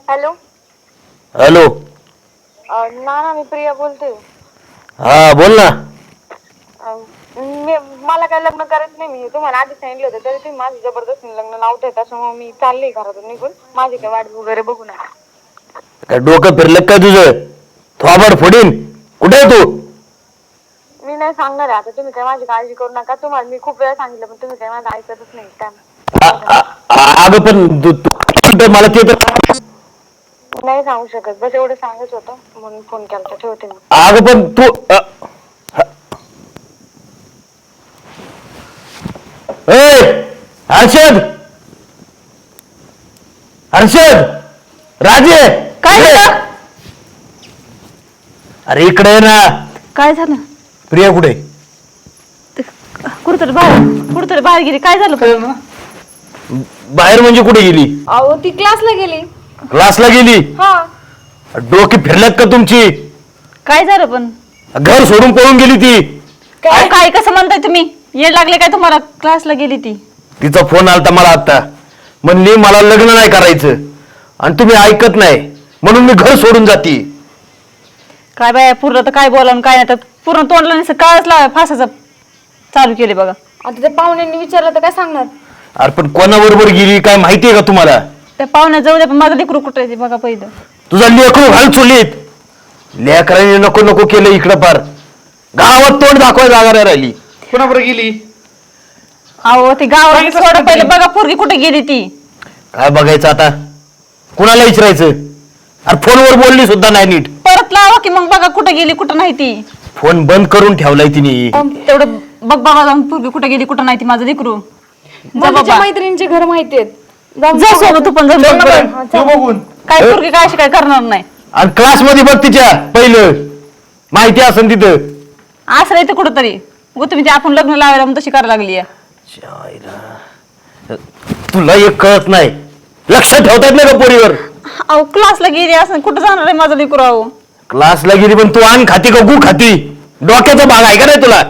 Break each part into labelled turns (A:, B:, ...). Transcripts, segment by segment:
A: Hello.
B: Hello.
A: ना मी प्रिया बोलते.
B: हा बोल ना.
A: मला काय लग्न करायचं नाही. मी तुम्हाला आधी सांगितलं होतं तरी तुम्ही माझं जबरदस्तीने लग्न लावताय. त्याच्यामुळे मी चालले घरातून निघून. माझी काय वाट वगैरे बघू नका.
B: काय डोकं फिरलं काय तुझं? थोबाड फोडीन. कुठे आहे तू?
A: मी नाही सांगणार आहे आता. तुम्ही काय माझी काळजी करू नका. तुम्हाला मी खूप वेळा सांगितलं पण तुम्ही काय माझं ऐकतच नाही.
B: अगं पण मला ते तर
A: नाही सांगू शकत. बस एवढं सांगायचं होतं म्हणून फोन केला. ठेवते मी.
B: अगं पण तू हर्षद हर्षद राजे
C: काय झालं?
B: अरे इकडे आहे ना.
C: काय झालं?
B: प्रिया कुठे?
C: कुठतरी बाहेर गेली. काय झालं पण?
B: बाहेर म्हणजे कुठे गेली?
A: अहो ती क्लासला गेली.
B: क्लासला गेली?
A: हा.
B: डोकी फिरल्यात का तुमची?
C: काय झालं पण?
B: घर सोडून पळून गेली ती.
C: काय कसं म्हणताय तुम्ही? येड लागले काय तुम्हाला? क्लासला गेली ती.
B: तिचा फोन आलता मला आता. म्हणली मला लग्न नाही करायचं आणि तुम्ही ऐकत नाही म्हणून मी घर सोडून जाते.
C: काय बाय पूर्ण तर काय बोलावून काय नाही तर पूर्ण तोंडला नसतं काळच लावाय फासाचं चालू केले बघा.
A: आता त्या पाहुण्यांनी विचारलं तर काय सांगणार?
B: अरे पण कोणाबरोबर गेली काय माहितीये का तुम्हाला?
C: त्या पाहुण्या जाऊ द्या पण माझं लेकरू कुठं आहे ते बघा पहिलं.
B: तुझा लेकरू घाल चुलीत. लेकरांनी नको नको केलं इकडं पार. गावात तोंड दाखवाय जागा नाही राहिली.
D: कोणाबरोबर गेली?
C: अहो ती गावात सोडा पहिलं बघा पोरगी कुठे गेली ती.
B: काय बघायचं आता? कुणाला विचारायचं? अरे फोनवर बोलली सुद्धा नाही नीट.
C: परत लावा की मग बघा कुठे गेली कुठं नाही ती.
B: फोन बंद करून ठेवलाय तिने.
C: तेवढं बघ बाबा जाऊन पोरगी कुठे गेली कुठं नाही ती माझं लेकरू.
A: माझ्या मैत्रिणींचे घर माहितीयेत.
C: जा सोबत तू पण जाऊन बघ बरं.
D: तू बघून
C: काय पोरगी काय अशी काय करणार नाही.
B: आणि क्लास मध्ये बघ तिच्या पहिलं माहिती असेल तिथं.
C: असं राहतं कुठंतरी. गो तुम्ही ते आपण लग्न लावायला म्हणून तशी करायला लागली.
B: तुला एक कळत नाही. लक्ष ठेवता येत नाही का पोरीवर?
C: अहो क्लासला गेली असं कुठं जाणार आहे माझं लेकरू? अहो
B: क्लासला गेली पण तू आण खाती का गु खाती? डोक्याचा भाग आहे का नाही तुला?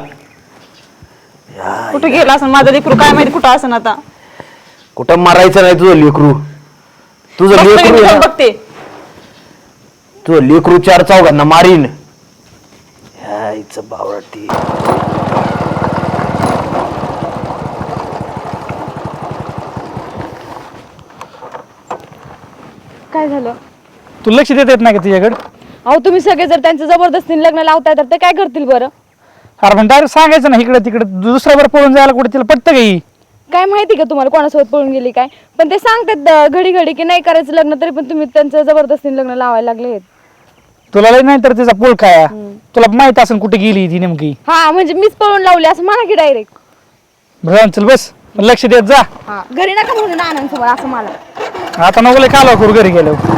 C: कुठं गेला असं माझं लेकरू काय माहिती कुठं असं आता.
B: कुठं मारायचं नाही तुझं लेकरू. तुझं
C: बघते मी
B: लेकरू
C: जाऊन बघते.
B: तुझं लेकरू चार चौघांना मारीन. ह्याचं बावळटी.
A: काय झालं?
D: तू लक्ष देत येत नाही का तिच्याकडे?
A: अहो तुम्ही सगळे जर त्यांचं जबरदस्तीने लग्न लावताय तर ते काय करतील बरं?
D: अरे पण डायरेक्ट सांगायचं ना इकडे तिकडे दुसऱ्यावर पळून जायला कुठे तिला पटतं काही?
A: काय माहिती का तुम्हाला कोणासोबत पळून गेली काय? पण ते सांगतात घडी घडी की नाही करायचं लग्न तरी पण तुम्ही त्यांचं जबरदस्तीने लग्न लावायला लागले.
D: तुला लय नाही तर तिचा पोळ काय तुला माहित असेल कुठे गेली ती नेमकी.
A: हा म्हणजे मीच पळून लावली असं म्हणा की डायरेक्ट.
D: बरं चल बस पण लक्ष देत जा.
A: घरी नका म्हणून आनंद समोर असं मला.
D: आता नको लय कालवा करू घरी गेल्यावर.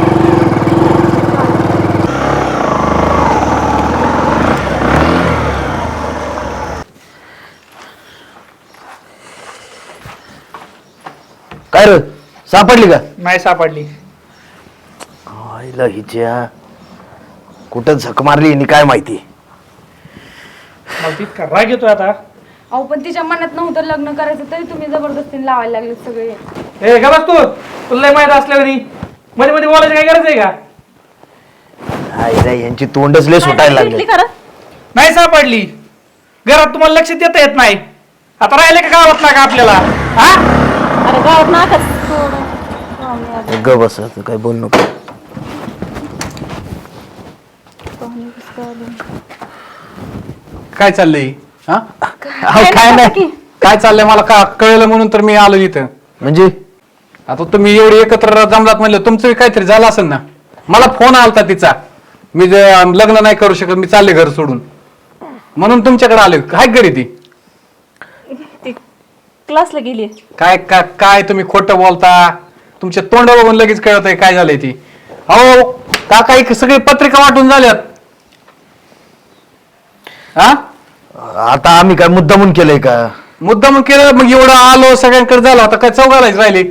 B: काय रे सापडली का?
D: नाही सापडली.
B: आईला हिच्या कुठं झक मारली हिने काय माहिती.
D: मला तितका राग येतोय आता.
A: अहो पण तिच्या मनात नव्हतं लग्न करायचं तरी तुम्ही जबरदस्तीने लावायला लागले सगळे.
D: ए का बस तू तुला लय माहित असल्यावर मध्ये मध्ये बोलायचं काय गरज आहे का?
B: आईला यांची तोंडच लय सुटायला लागली.
C: भेटली खरं?
D: नाही सापडली. घरात तुम्हाला लक्ष देता येत नाही. आता राहिले का गावात ना का आपल्याला? हा
C: अरे गावात नाकाच.
B: ग बस आता काय बोल नको.
E: काय चाललंय? हा
B: काय नाही.
E: काय चाललंय मला का कळलं म्हणून तर मी आलो इथं.
B: म्हणजे
E: आता तुम्ही एवढी एकत्र जमलात म्हणलं तुमचं काहीतरी झालं असेल ना. मला फोन आलता तिचा मी लग्न नाही करू शकत मी चालले घर सोडून म्हणून तुमच्याकडे आले. काय घरी ती
C: क्लासला गेली.
E: काय काय तुम्ही खोटं बोलता. तुमच्या तोंड बघून लगेच कळत आहे काय झालंय ती. अहो काका सगळी पत्रिका वाटून झाल्यात. हा
B: आता आम्ही काय मुद्दामून केलंय का?
E: मुद्दाम केलं मग एवढं आलो सगळ्यांकडे झालं आता काय चौघालाच राहिले.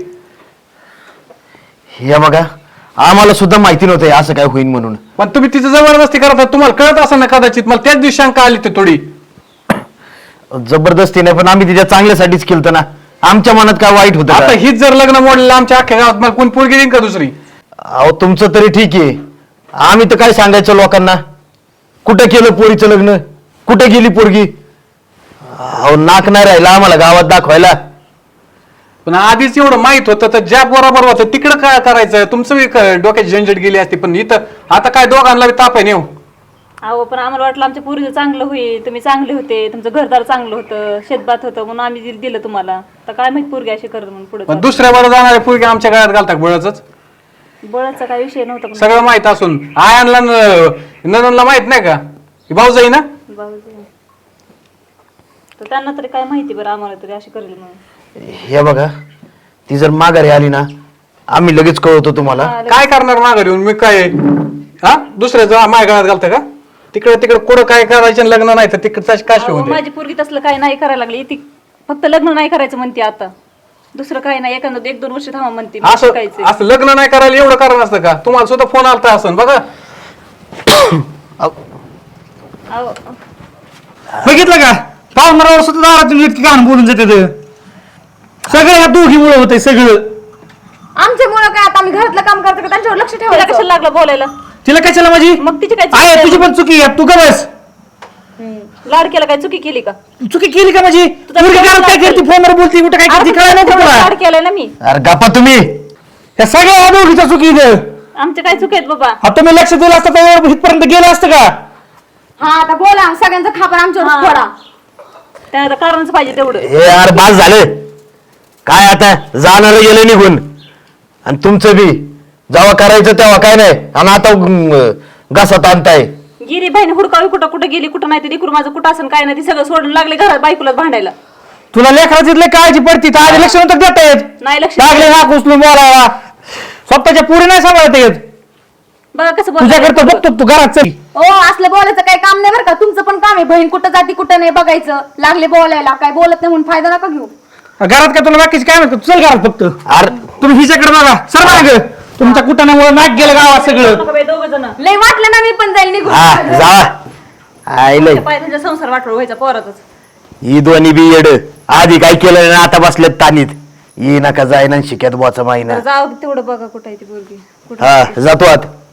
B: हे बघा आम्हाला सुद्धा माहिती नव्हतं असं काय होईल म्हणून.
E: पण तुम्ही तिचं जबरदस्ती करता तुम्हाला कळत असेल ना कदाचित. मला त्याच दिवशी शंका आली ते थोडी.
B: जबरदस्ती नाही पण आम्ही तिच्या चांगल्यासाठीच केलं ना. आमच्या मनात काय वाईट होतं
E: आता
B: का?
E: हीच जर लग्न मोडलेलं आमच्या अख्ख्या गावात मला कोण पोरगी देईन का दुसरी?
B: अहो तुमचं तरी ठीक आहे, आम्ही तर काय सांगायचं लोकांना? कुठं केलं पोरीचं लग्न, कुठे गेली पोरगी? अहो नाक नाही राहिला आम्हाला गावात दाखवायला.
E: पण आधीच एवढं माहित होतं तर ज्या बरोबर होतं तिकडं काय करायचं? तुमचं बी डोक्याची झंझट गेली असती, पण इथं आता काय दोघांना बी ताप आहे नेऊ.
C: अहो पण आम्हाला वाटलं आमच्या पोरीचं चांगलं होईल, तुम्ही चांगले होते, तुमचं घरदार चांगलं होतं, शेतभात होतं, म्हणून आम्ही दिलं तुम्हाला. तर काय माहित पोरगी अशी करत म्हणून पुढे.
E: पण दुसऱ्या बरोबर जाणारे पोरगी आमच्या गळ्यात घालतात बळच.
C: बळाचा काय विषय नव्हता पण
E: सगळं माहित असून आयांना नननला माहित नाही का? भाऊ जाई ना.
C: भाऊजी. तर त्यांना तरी काय माहिती बरं, आम्हाला तरी अशी करेल म्हणून.
B: हे बघा, ती जर माघारी आली ना आम्ही लगेच कळवतो तुम्हाला.
E: काय करणार माघार येऊन मी? काय हा दुसऱ्याचं माझ्या गळ्यात घालतं का? तिकडे तिकडे कुठं काय करायचं लग्न नाही तर तिकडचं काशी
C: अहो,
E: होते.
C: माझी पोरगी तसलं काय नाही करायला लागली, ती फक्त लग्न नाही करायचं म्हणते आता. दुसरं काही नाही, एखादं 1-2 वर्ष थांबा म्हणते.
E: असं
C: शिकायचंय.
E: असं लग्न नाही करायला एवढं कारण असतं का? तुम्हाला सुद्धा फोन आलता असं बघा.
C: अहो,
D: बघितलं का? पाहुणाऱ्यावर सुद्धा दारातून इतकी घाण बोलून जाते ते. सगळं ह्या दोघीमुळे होतंय सगळं.
A: आमच्यामुळे काय आता आम्ही घरातलं काम करतो का त्यांच्यावर लक्ष
C: तिला
A: ठेवायचं?
C: कशाला लागलं बोलायला?
D: तिला कशाला माझी
C: मग तिची काय चुकी
D: आहे?
C: आहे?
D: तुझी पण चुकी आहे, तू का बस.
C: लाड केला काय चुकी केली का?
D: चुकी केली का माझी? पोरगी घरात काय करते, फोनवर बोलते, कुठे काय करते, कळलं नको तुला?
C: लाड केलाय ना मी.
B: अरे गप्पा तुम्ही.
D: या सगळ्या दोघीच्या चुकी इथं.
C: आमचे काय चुकी आहेत बाबा?
D: हा तुम्ही लक्ष दिलं असतं तर इथपर्यंत गेलं असतं का?
A: हा आता बोला, सगळ्यांचा खापर आमच्यावर फोडा.
C: त्या आता कारणच पाहिजे तेवढं.
B: हे यार बास झालं. काय आता जाणार गेलं निघून, आणि तुमचं बी जेव्हा करायचं तेव्हा काय नाही, आणि आता घासात आणताय.
C: गिरी बहीण हुडकावी कुठं कुठं गेली, कुठं नाही, ते लेकरू माझं कुठं असं काय नाही, ते सगळं सोडून लागले घरात बायकोलाच भांडायला.
D: तुला लेकराची लय काळजी पडती तर आधी लक्ष नव्हतं देता येत.
C: नाही लक्ष
D: लागले नाक उचलून बोलायला. स्वतःच्या पुरी नाही सांभाळता येत.
C: बघा कसं
D: तुझ्याकडे तर बघतो तू घरात चल.
A: ओ असलं बोलायचं काही काम नाही बरं का. तुमचं पण काम आहे, बहीण कुठं जाती कुठं नाही बघायचं. लागले बोलायला, काय बोलत नाही म्हणून फायदा नका घेऊ.
D: घरात काय तुला बाकीची काय म्हणतो? चल घरात फक्त.
B: अरे
D: तुम्ही हिच्याकडे बघा, सर माग. तुमच्या कुटाण्यामुळे नाक गेलं गावात सगळं.
C: दोघ जण
A: लय वाटलं ना मी पण जाईल निघून.
B: हा जा आईले.
C: त्यांचा संसार वाटवर व्हायचा पोरातच.
B: ही दोन्ही बी येड. आधी काय केलं ना आता बसलेत तानीत. ये नका जाय ना शिक्यात बोचा माहिना.
C: तर जाऊ दे तेवढं बघा कुठं आहे ती पोरगी. कुठं
B: हा जातो आत.